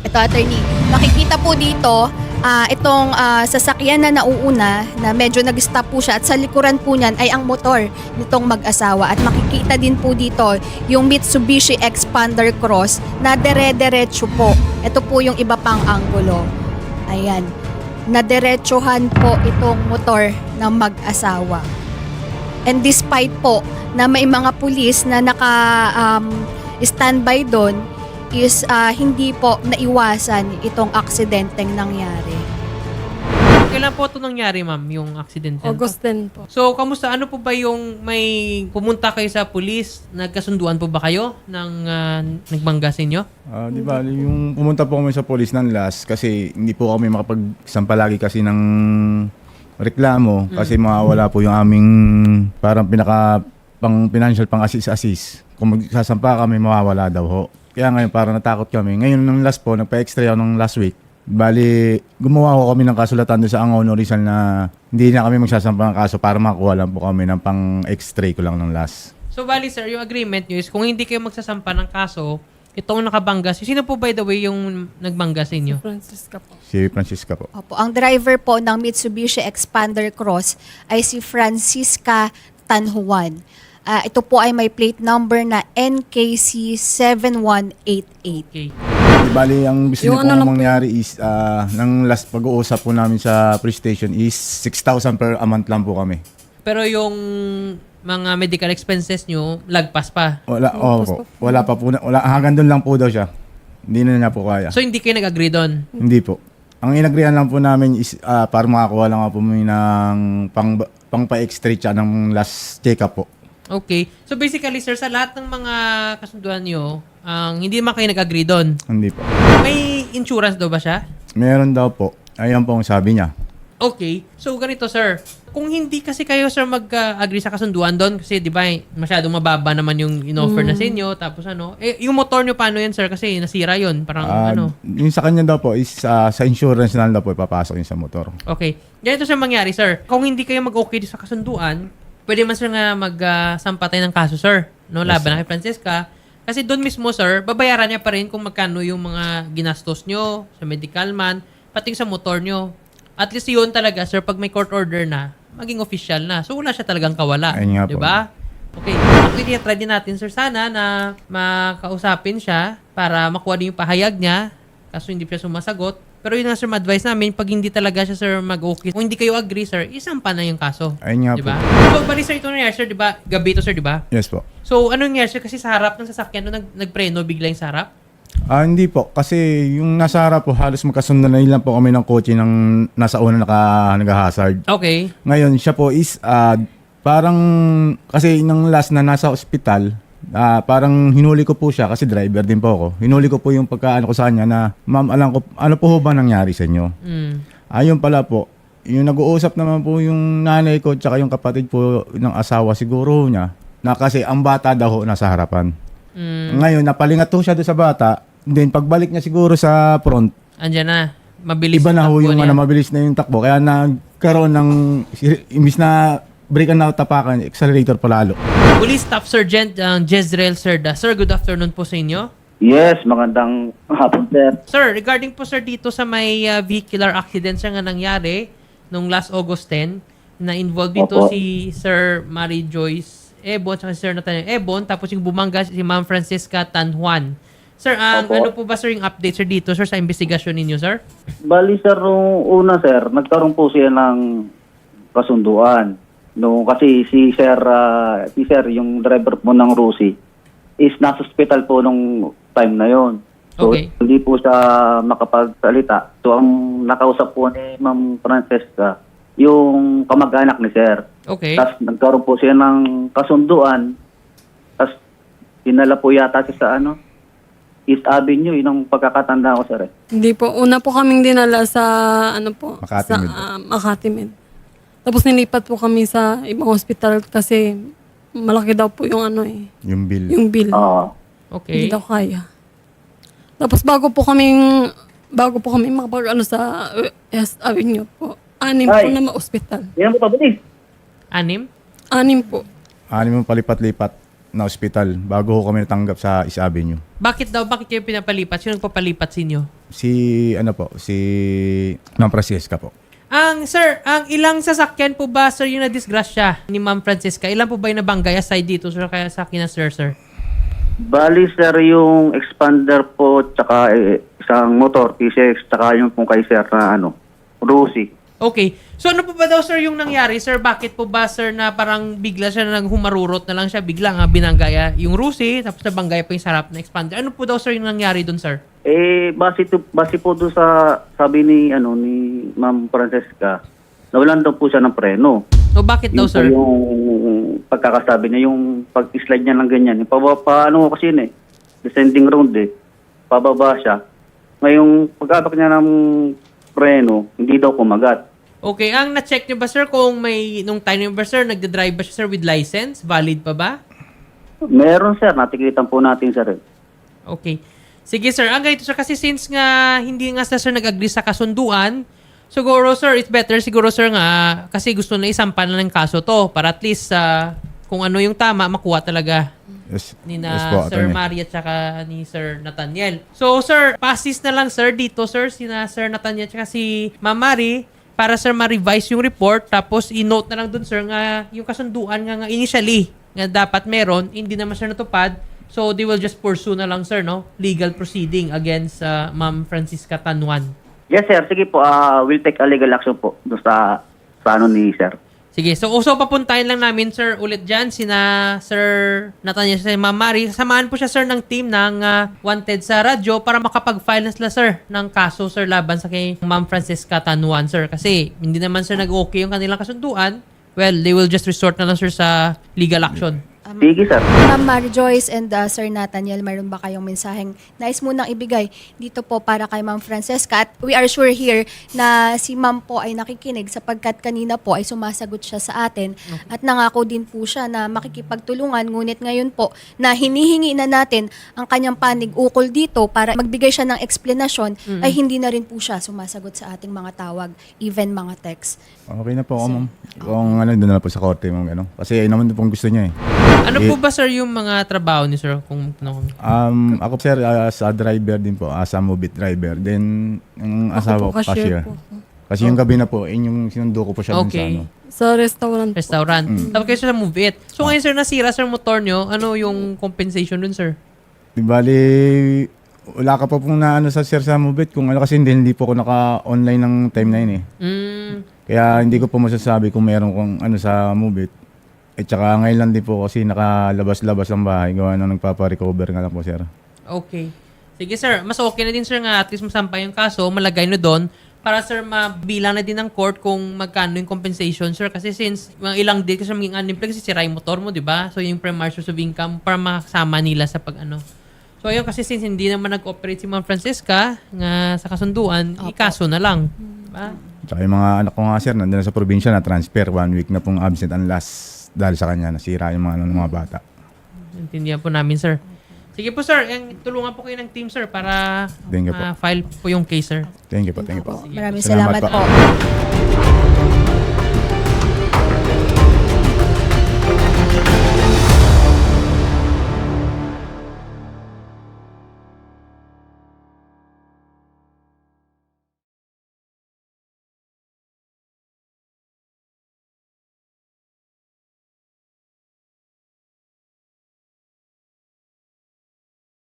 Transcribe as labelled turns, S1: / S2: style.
S1: Ito, attorney, makikita po dito itong sasakyan na nauuna na medyo nag-stop po siya at sa likuran po niyan ay ang motor nitong mag-asawa at makikita din po dito yung Mitsubishi Expander Cross na dere-derecho po. Ito po yung iba pang anggulo. Ayan, nadiretsuhan po itong motor ng mag-asawa. And despite po na may mga pulis na standby doon, is hindi po naiwasan itong aksidenteng nangyari.
S2: Kailan po ito nangyari, ma'am, yung accident?
S3: August 10 po.
S2: So, kamusta? Ano po ba yung may pumunta kayo sa pulis? Nagkasunduan po ba kayo ng nagbangga sa inyo?
S4: Di ba, yung pumunta po kami sa police ng last kasi hindi po kami makapagsampa lagi kasi ng reklamo kasi mawawala po yung aming parang pang financial pang assist. Kung magsasampa kami, mawawala daw ho. Kaya ngayon parang natakot kami. Ngayon nung last po, nagpa-extra ako nung last week. Bali, gumawa ko kami ng kasulatan doon sa Angono Rizal na hindi na kami magsasampa ng kaso para makakuha lang po kami ng pang-extra ko lang ng last.
S2: So, bali sir, yung agreement nyo is kung hindi kayo magsasampa ng kaso, itong nakabangga, sino po by the way yung nagbangga sa inyo?
S3: Francisca po.
S4: Si Francisca po.
S1: Opo, ang driver po ng Mitsubishi Expander Cross ay si Francisca Tanhuan. Ito po ay may plate number na NKC7188.
S2: Okay.
S4: Di bali, ang gusto
S3: Yung
S4: niyo
S3: ano
S4: pong
S3: lang po
S4: mangyari is, ng last pag-uusap po namin sa police station is 6,000 per a month lang po kami.
S2: Pero yung mga medical expenses nyo, lagpas pa.
S4: Wala, wala pa po. Hanggang doon lang po daw siya. Hindi na niya po kaya.
S2: So, hindi kayo nag-agree doon?
S4: Hindi po. Ang inagrihan lang po namin is para makakuha lang po ng pang-pa-extra siya ng last check-up po.
S2: Okay. So, basically, sir, sa lahat ng mga kasunduan nyo, hindi naman kayo nag-agree doon.
S4: Hindi po.
S2: May insurance daw ba siya?
S4: Meron daw po. Ayan po ang sabi niya.
S2: Okay. So, ganito, sir. Kung hindi kasi kayo, sir, mag-agree sa kasunduan doon, kasi, di ba, masyadong mababa naman yung in-offer na sa inyo, tapos yung motor nyo, paano yan, sir? Kasi nasira yun. Parang,
S4: Yung sa kanya daw po is sa insurance na lang daw po ipapasok yun sa motor.
S2: Okay. Ganito, sir, mangyari, sir. Kung hindi kayo mag-okay sa kasunduan, pwede man, sir, nga mag-sampa tayo ng kaso, sir. No? Laban na kay Francesca. Kasi doon mismo, sir, babayaran niya pa rin kung magkano yung mga ginastos nyo sa medical man, pati sa motor nyo. At least yun talaga, sir, pag may court order na, maging official na. So, wala siya talagang kawala.
S4: Ayun nga po.
S2: Diba? Okay. Actually, try din natin, sir, sana na makausapin siya para makuha din yung pahayag niya. Kaso hindi siya sumasagot. Pero yun nga, sir, ma-advise namin, pag hindi talaga siya, sir, mag-okay, kung hindi kayo agree, sir, isampa na yung kaso.
S4: Ayun nga
S2: Diba?
S4: po.
S2: So, bali, sir, ito nangyari, sir, diba? Gabi ito, sir, diba?
S4: Yes po.
S2: So, ano nangyari, sir? Kasi sa harap ng sasakyan, nagpreno bigla yung sa harap?
S4: Hindi po. Kasi yung nasa harap po, halos magkasundan na lang po kami ng kotse ng nasa una nag-hazard.
S2: Okay.
S4: Ngayon, siya po is parang, kasi nang last na nasa ospital, parang hinuli ko po siya kasi driver din po ako. Hinuli ko po yung pagkaano ko sa kanya na, ma'am, alam ko, ano po ba nangyari sa inyo? Ayun pala po, yung nag-uusap naman po yung nanay ko tsaka yung kapatid po ng asawa siguro niya na kasi ang bata daw nasa harapan. Ngayon, napalingat po siya doon sa bata. Then, pagbalik niya siguro sa front,
S2: Andyan na. Mabilis
S4: iba na ho
S2: takbo
S4: yung
S2: niya.
S4: mabilis na yung takbo. Kaya nagkaroon ng, imbis na brake na tapakan, accelerator palalo.
S2: Police Staff Sergeant Jezreel Cerda. Sir, good afternoon po sa inyo.
S5: Yes, magandang hapon, sir.
S2: Sir, regarding po, sir, dito sa may vehicular accident siya nga nangyari nung last August 10, na involved dito
S5: Opo.
S2: si Sir Mary Joyce Ebon at si Sir Nathaniel Ebon, tapos yung bumangga si Ma'am Francisca Tanhuan. Sir,
S5: Opo.
S2: ano po ba, sir, yung update, sir, dito, sir, sa investigasyon ninyo, sir?
S5: Bali, sir, nung una, sir, nagkaroon po siya ng kasunduan. No, kasi si sir, yung driver po ng Rusi, is nasa hospital po nung time na yon. So,
S2: Okay.
S5: hindi po siya makapagsalita. So, ang nakausap po ni Ma'am Francesca, yung kamag-anak ni sir.
S2: Okay.
S5: Tapos nagkaroon po siya ng kasunduan. Tapos dinala po yata siya sa East Avenue, yun ang pagkakatanda ko, sir.
S3: Hindi po. Una po kaming dinala sa,
S4: Makati
S3: sa
S4: Med.
S3: Makati Med. Tapos nilipat po kami sa ibang hospital kasi malaki daw po yung
S4: Yung bill.
S3: yung bill.
S5: Oo.
S2: Okay.
S3: Hindi daw kaya. Tapos bago po kami makapag sa East Avenue po, 6 po
S5: Ay.
S3: na ma-hospital.
S5: Yan mo pabilis.
S2: 6?
S3: 6 po.
S4: Mo palipat-lipat na ospital bago ho kami natanggap sa East Avenue.
S2: Bakit kayo pinapalipat? Sino nagpapalipat sa inyo?
S4: Si Ma'am Francesca po.
S2: Sir, ang ilang sasakyan po ba, sir, yung na-disgrasya ni Ma'am Francesca? Ilan po ba yung nabanggay aside dito, sir, kaya sa akin na, sir?
S5: Bali, sir, yung expander po, tsaka isang motor, T6, tsaka yung pong kay sir na Rusi.
S2: Okay. So ano po ba daw, sir, yung nangyari, sir? Bakit po ba, sir, na parang bigla siya na humarurot na lang siya, bigla nga binanggaya yung Rusi, tapos nabanggaya pa yung sarap na expander. Ano po daw, sir, yung nangyari doon, sir?
S5: Base po doon sa sabi ni Ma'am Francesca, nawalan daw po siya ng preno.
S2: O bakit daw,
S5: Yun po
S2: sir?
S5: yung pagkakasabi niya, yung pag-slide niya ng ganyan. Paano kasi yun descending round pababa siya. Ngayong pagkabak niya ng preno, hindi daw kumagat.
S2: Okay. Ang na-check niyo ba, sir, kung nung time niyo ba, sir, nagda-drive ba siya, sir, with license? Valid pa ba?
S5: Meron, sir. Natikitan po natin, sir.
S2: Okay. Sige, sir. Ang ganito, sir, kasi since nga hindi nga sir nag-agree sa kasunduan, siguro, sir, it's better siguro, sir, nga kasi gusto na isampan na ng kaso to para at least kung ano yung tama, makuha talaga
S4: Yes,
S2: ni
S4: yes po,
S2: Sir
S4: attorney.
S2: Maria tsaka ni Sir Nathaniel. So, sir, passes na lang, sir, dito, sir, sina Sir Nathaniel tsaka si Ma'am Mari para, sir, ma-revise yung report tapos i-note na lang dun, sir, nga yung kasunduan nga initially nga dapat meron, hindi naman sir natupad. So, they will just pursue na lang, sir, no? Legal proceeding against Ma'am Francisca Tanuan.
S5: Yes, sir. Sige po. We'll take a legal action po doon sa ni sir.
S2: Sige, so papuntahin lang namin, sir, ulit dyan, sina Sir Nathaniel sa Ma'am Mari. Samahan po siya, sir, ng team ng Wanted sa radyo para makapag-file na sila, sir, ng kaso, sir, laban sa kay Ma'am Francisca Tanuan, sir. Kasi hindi naman, sir, nag-okay yung kanilang kasunduan. Well, they will just resort na lang, sir, sa legal action.
S5: Sige, sir.
S1: Ma'am Mary Joyce and Sir Nathaniel, mayroon ba kayong mensaheng nais munang ibigay dito po para kay Ma'am Francesca? At we are sure here na si Ma'am po ay nakikinig sapagkat kanina po ay sumasagot siya sa atin at nangako din po siya na makikipagtulungan. Ngunit ngayon po na hinihingi na natin ang kanyang panig ukol dito para magbigay siya ng eksplanasyon ay hindi na rin po siya sumasagot sa ating mga tawag, even mga text.
S4: Okay na po ako, ma'am. Kung doon na po sa korte, ma'am. Kasi ayun naman pong gusto niya eh.
S2: Ano po ba, sir, yung mga trabaho ni sir? Kung
S4: Ako, sir, sa driver din po. Sa Move It driver. Then, yung asawa ko, cashier.
S3: po.
S4: Kasi yung gabi na po, yung sinundo ko po siya dun sa
S2: Okay.
S3: Sa restaurant po.
S2: restaurant. Tapos kayo, sir, Move It. So ngayon, sir, nasira, sir, motor nyo. Ano yung compensation dun, sir?
S4: Di bali, wala ka pa pong naano sa sir sa Move It. Kung ano kasi hindi po ako naka-online ng time na yun eh. Kaya hindi ko po masasabi kung meron kong sa Move It. At saka ngayon lang din po kasi nakalabas-labas ang bahay. Gawa nang nagpapa-recover nga lang po, sir.
S2: Okay. Sige, sir. Mas okay na din, sir, nga at least masampay yung kaso, malagay na doon para, sir, mabilang na din ng court kung magkano yung compensation, sir. Kasi since mga ilang day kasi maging unemployed kasi sira yung motor mo, di ba? So, yung primary source of income para makasama nila sa pag-ano. So, ayun, kasi since hindi naman nag-operate si Ma'am Francesca nga sa kasunduan, ikaso na lang. Diba?
S4: Tsaka yung mga anak ko nga, sir, nandun na sa probinsya na transfer. 1 week na pong absent and last dahil sa kanya, nasira yung mga bata.
S2: Intindihan po namin, sir. Sige po, sir. Tulungan po kayo ng team, sir, para
S4: Thank you po.
S2: ma-file po yung case, sir.
S4: Thank you po, thank you po.
S1: Maraming salamat
S4: po.
S1: po.